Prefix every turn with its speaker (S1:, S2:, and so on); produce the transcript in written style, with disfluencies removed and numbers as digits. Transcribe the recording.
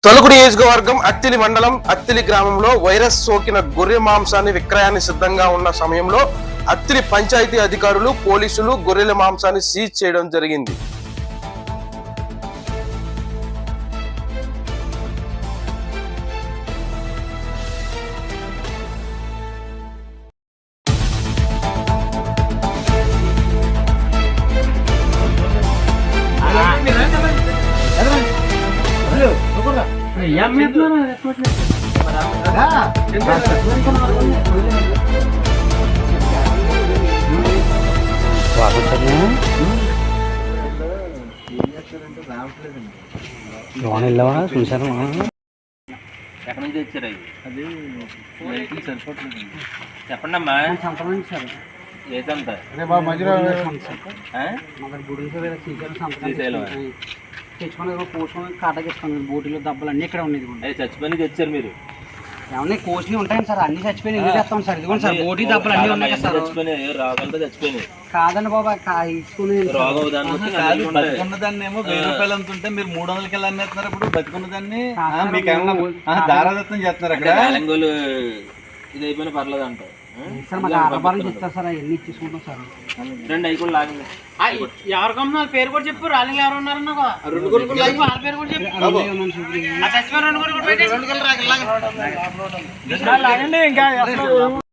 S1: తొలుగు నియోజకవర్గం అత్తిలి మండలం అత్తిలి గ్రామంలో వైరస్ సోకిన గొర్రె మాంసాన్ని విక్రయానికి సిద్ధంగా ఉన్న సమయంలో అత్తిలి పంచాయతీ అధికారులు పోలీసులు గొర్రెల మాంసాన్ని సీజ్ చేయడం జరిగింది.
S2: చూసాను
S3: ఎక్కడి నుంచి తెచ్చారు అది సరిపోతుంది చెప్పండి అమ్మా ఏదంతా
S2: తెచ్చుకుని కోసుకొని కాటకిస్తాను బోటీలో దెబ్బలు అన్నీ ఇక్కడ ఉండేది.
S3: చచ్చిపోయి తెచ్చారు మీరు
S2: ఏమన్నా కోసినవి ఉంటాయి సార్, అన్ని చచ్చిపోయినాయి. ఇది తెస్తాం సార్, ఇదిగోండి సార్ బోటీ దెబ్బలు అన్నీ ఉన్నాయి కదా సార్.
S3: చచ్చిపోయినాయి రోగాలతో చచ్చిపోయినాయి.
S2: కాదండి బాబా తీసుకుని
S4: బతుకున్న దాన్ని ఏమో 1000 రూపాయలు అంతుంటే మీరు 300కి వెళ్ళి అమ్మేస్తున్నారు. ఇప్పుడు బతుకున్న దాన్ని మీకు దారాదత్తం చేస్తున్నారు. అక్కడ
S3: ఇది అయిపోయినా పర్లేదు అంట
S2: సార్. మాకు ఆధారం చెప్తారు సార్, అవన్నీ ఇచ్చేసుకుంటాం సార్.
S3: రెండు అవి కూడా లాగింది.
S5: ఎవరికమ్మ పేరు కూడా చెప్పు. రాలింగ్ ఎవరు ఉన్నారు రెండు కొడుకులు వాళ్ళ పేరు కూడా చెప్పు. ఇంకా